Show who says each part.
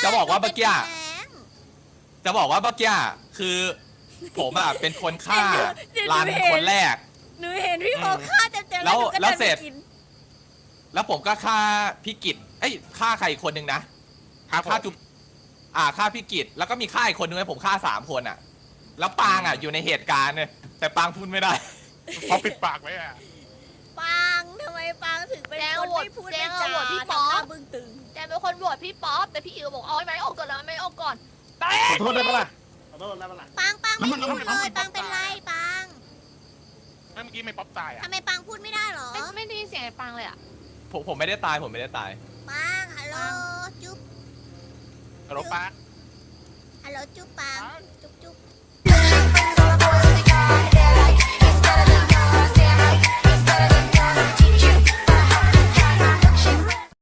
Speaker 1: จะบอกว่าเมื่อกี้
Speaker 2: แรง
Speaker 1: จะบอกว่าเมื่อกี้คือผมอ่ะเป็นคนฆ่ารันคนแรก
Speaker 2: หนูเห็นพี่โมฆ่าเต็มๆ
Speaker 1: แล้ว
Speaker 2: หนูก็
Speaker 1: แล้ว
Speaker 2: ดิน
Speaker 1: เสร็จ
Speaker 2: ไปกิน
Speaker 1: แล้วผมก็ฆ่าพี่กิตเอ้ยฆ่าใครอีกคนนึงนะ
Speaker 3: ครับผม
Speaker 1: ฆ่าจุ๊บฆ่าพี่กิตแล้วก็มีฆ่าอีกคนนึงให้ผมฆ่า3 คนอ่ะ แล้วปางอ่ะอยู่ในเหตุการณ์เนี่ยแต่ปางพูดไม่ได้
Speaker 3: พอปิดปากไว้อะ
Speaker 2: ปางทำไมปางถึงเป็นคนไม่พูดไม่จาทำหน้าบึ้งตึง
Speaker 4: แต่เป็นคนโหวตพี่ป๊อปแต่พี่อิ๋วบอกเอาไม้ออกก่อนนะไม้ออกก่อนไป
Speaker 5: ขอโทษได้ปะล่ะขอโทษได้ปะล่ะ
Speaker 2: ปางไม่พูดเลยปางเป็นไรปาง
Speaker 3: เมื่อกี้ไม่ป๊อปตายอ่ะ
Speaker 2: ทำไมปางพูดไม่ได้เหรอ
Speaker 4: ไม่ได้ยินเสียงไอ้ปังเลยอ่ะ
Speaker 1: ผมไม่ได้ตายผมไม่ได้ตาย
Speaker 2: ปางฮัลโหลจุ๊บ
Speaker 3: ฮัลโหลปาร์ค
Speaker 2: ฮัลโหลจุ๊บปางจุ๊บ